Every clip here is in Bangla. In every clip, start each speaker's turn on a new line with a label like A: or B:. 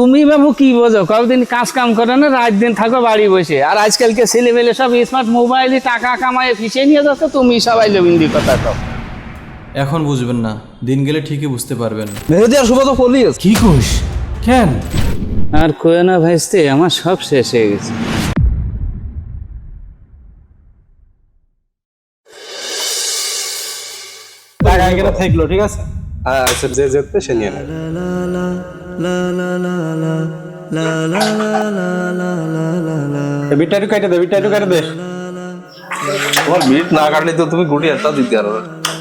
A: তুমি বাবু কি বোঝো, কতদিন কাজ কাম করে না, রাত দিন থাকো বাড়ি বসে। আর আজকালকে ছেলেমেলে সব স্মার্ট মোবাইলে টাকা কামায় ফিসে নিয়ে যাচ্ছে, তুমি সবাই লবিন্দি কথা কও।
B: এখন বুঝবেন না, দিন গেলে ঠিকই বুঝতে পারবেন।
C: মেহেদি আর শুভ তো পলিয়েছে।
B: কি কোষ? কেন?
A: আর কয়ে না ভাইস্তে, আমার সব শেষ হয়ে গেছে।
C: টাকা এখানে থাকলো, ঠিক আছে? হ্যাঁ আচ্ছা, যে যেতে সে নিয়ে নেবে। বিটটা কেটে দে, বিটটা কেটে দে। তোমার বিট না কাটলে তো তুমি গুটি একটা দিতে পারো।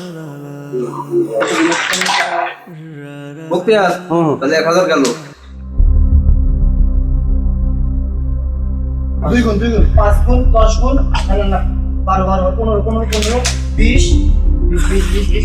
C: মুক্তিয়ার তাহলে 1000 গেল।
D: 2 গুণ 5 গুণ 10 গুণ 12 12 15 15 15 20 20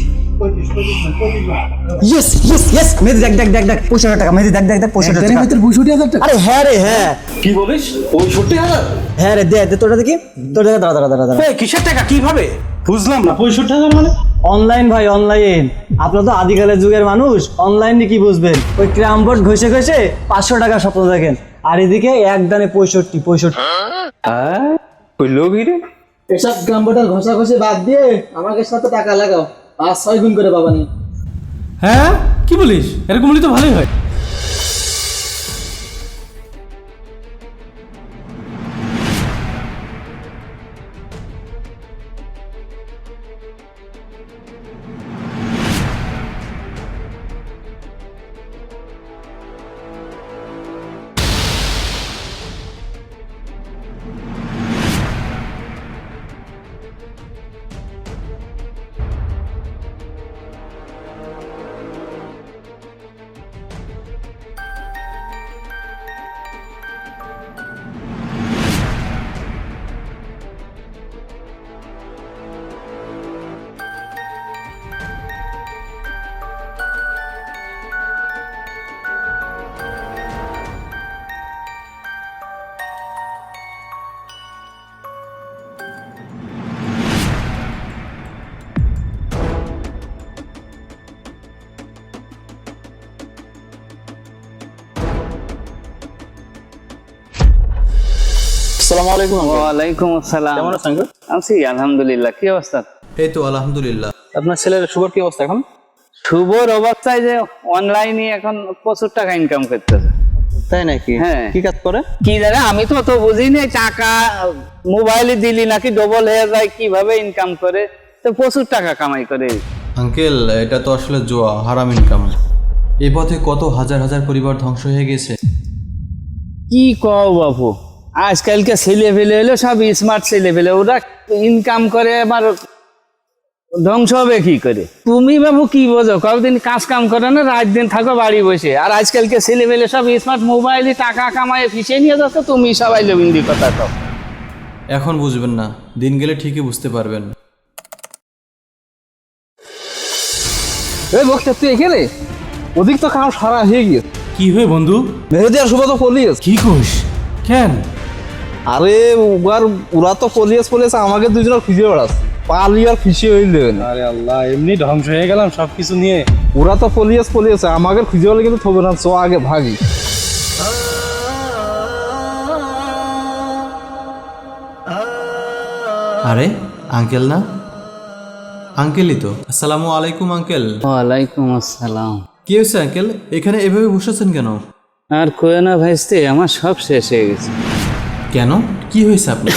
E: ইয়েস ইয়েস ইয়েস মেহেদি দেখ দেখ দেখ দেখ 65,000 টাকা। মেহেদি দেখ দেখ দেখ 65,000 টাকা।
F: 65,000 টাকা?
E: আরে হ্যাঁ রে হ্যাঁ।
C: কি বলিস? 65,000?
E: হ্যাঁ রে দে দে তোটা দেখি। তোর দাঁড়া দাঁড়া দাঁড়া দাঁড়া।
C: এই কিসের টাকা? কিভাবে? বুঝলাম না। 65,000 মানে?
E: অনলাইন ভাই অনলাইন। আপনারা তো আদিকালের যুগের মানুষ, অনলাইনে কি বুঝবেন? ওই ক্রাম বোর্ড ঘষে ঘষে 500 টাকা স্বপ্ন দেখেন, আর এদিকে এক দানে 65।
C: হ্যাঁ কইলো কি রে?
F: এসব গ্রামবোটার ঘষা ঘষে বাদ দিয়ে আমাকে সাথে টাকা লাগাও, 5-6 গুণ করে পাবানি।
B: হ্যাঁ কি বলিস? এরকম হলে তো ভালোই হয়।
C: আসসালামু আলাইকুম।
A: ওয়ালাইকুম আসসালাম।
C: কেমন আছেন গো?
A: আছি আলহামদুলিল্লাহ। কি অবস্থা?
B: এই তো আলহামদুলিল্লাহ।
C: আপনার ছেলের শুভর কি অবস্থা এখন?
A: শুভর অবস্থায় যে অনলাইনে এখন প্রচুর টাকা ইনকাম করতেছে।
C: তাই নাকি?
A: হ্যাঁ।
C: কি কাজ করে?
A: কি জানে, আমি তো অত বুঝি না। টাকা মোবাইলে দিলি নাকি ডবল হয়ে যায়, কিভাবে ইনকাম করে, তো প্রচুর টাকা কামাই করে।
B: আঙ্কেল, এটা তো আসলে জুয়া, হারাম ইনকাম। এই পথে কত হাজার হাজার পরিবার ধ্বংস হয়ে গেছে।
A: কি কও বাপু, আজকালকে ছেলে ফেলে হলো সব স্মার্ট ছেলে ফেলে, ওরা ইনকাম করে আবার ধ্বংস হবে কি করে? তুমি বাবু কি বোঝো, কতদিন কাজ কাম করে না, রাত দিন থাকো বাড়ি বসে। আর আজকালকে ছেলে ফেলে সব স্মার্ট মোবাইলে টাকা কামায় ফিসে নিয়ে যাচ্ছে, তুমি সবাই লবিন্দি কথা কও।
B: এখন বুঝবেন না, দিন গেলে ঠিকই বুঝতে পারবেন।
C: এই বক্তা তুই এখানে? ওদিক তো কাম সারা হয়ে গিয়েছে।
B: কি হয়ে বন্ধু?
C: মেহেদি আর শুভ তো পলিয়েছে।
B: কি কোষ? কেন?
C: আরে ওরা তো পলিয়েছে, আমাকে দুজনের খুঁজে বেড়াচ্ছে। পালি আর ফিসে হইলে
F: আরে আল্লাহ, এমনি ধ্বংস হয়ে গেলাম সবকিছু নিয়ে।
C: ওরা তো পলিয়েছে, আমাকে খুঁজে বেড়ালে কিন্তু থবে না। চো আগে ভাগি।
B: আরে আঙ্কেল না? আঙ্কেলই তো। আসসালামু আলাইকুম আঙ্কেল।
A: ওয়ালাইকুম আসসালাম।
B: কি হয়েছে আঙ্কেল, এখানে এভাবে বসেছেন কেন?
A: আর কয়ে না ভাইস্তে, আমার সব শেষ হয়ে গেছে।
B: কেন, কি হয়েছে আপনার?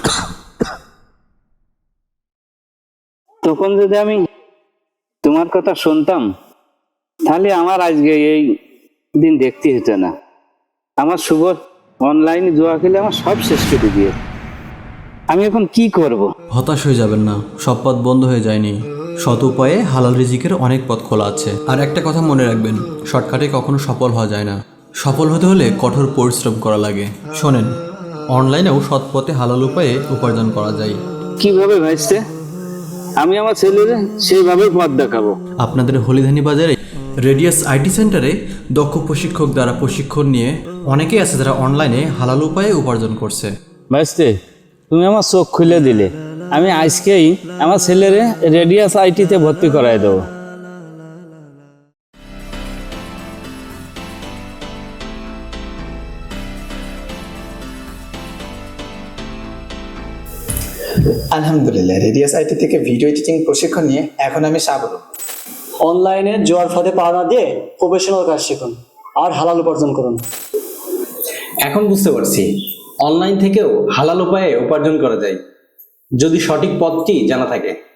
A: তখন যদি আমি তোমার কথা শুনতাম, তাহলে আমার আজকে এই দিন দেখতে হতো না। আমার শুভ অনলাইনে জুয়া খেলে আমার সব শেষ করে দিয়ে, আমি এখন কি করব?
B: হতাশ হয়ে যাবেন না, সব পথ বন্ধ হয়ে যায়নি। সৎ উপায়ে হালাল রিজিকের অনেক পথ খোলা আছে। আর একটা কথা মনে রাখবেন, শর্টকাটে কখনো সফল হওয়া যায় না। সফল হতে হলে কঠোর পরিশ্রম করা লাগে। শোনেন, অনলাইনেও সৎ পথে হালাল উপায়ে উপার্জন করা যায়।
A: কিভাবে ভাইস্তে? আমি আমার ছেলের সেইভাবে পথ দেখাবো।
B: আপনাদের হলিধানি বাজারে রেডিয়াস আইটি সেন্টারে দক্ষ প্রশিক্ষক দ্বারা প্রশিক্ষণ নিয়ে অনেকেই আছে যারা অনলাইনে হালাল উপায়ে উপার্জন করছে।
A: ভাইস্তে, তুমি আমার চোখ খুলে দিলে। আমি আজকেই আমার ছেলের রেডিয়াস আইটিতে ভর্তি করাই দেবো।
G: আলহামদুলিল্লাহ, রেডিয়াস আইটি থেকে ভিডিও এডিটিং প্রশিক্ষণ নিয়ে এখন আমি সাবর।
E: অনলাইনে জোয়ার ফাঁদে পা না দিয়ে প্রফেশনাল কাজ শিখুন আর হালাল উপার্জন করুন।
H: এখন বুঝতে পারছি অনলাইন থেকেও হালাল উপায়ে উপার্জন করা যায়, যদি সঠিক পথটি জানা থাকে।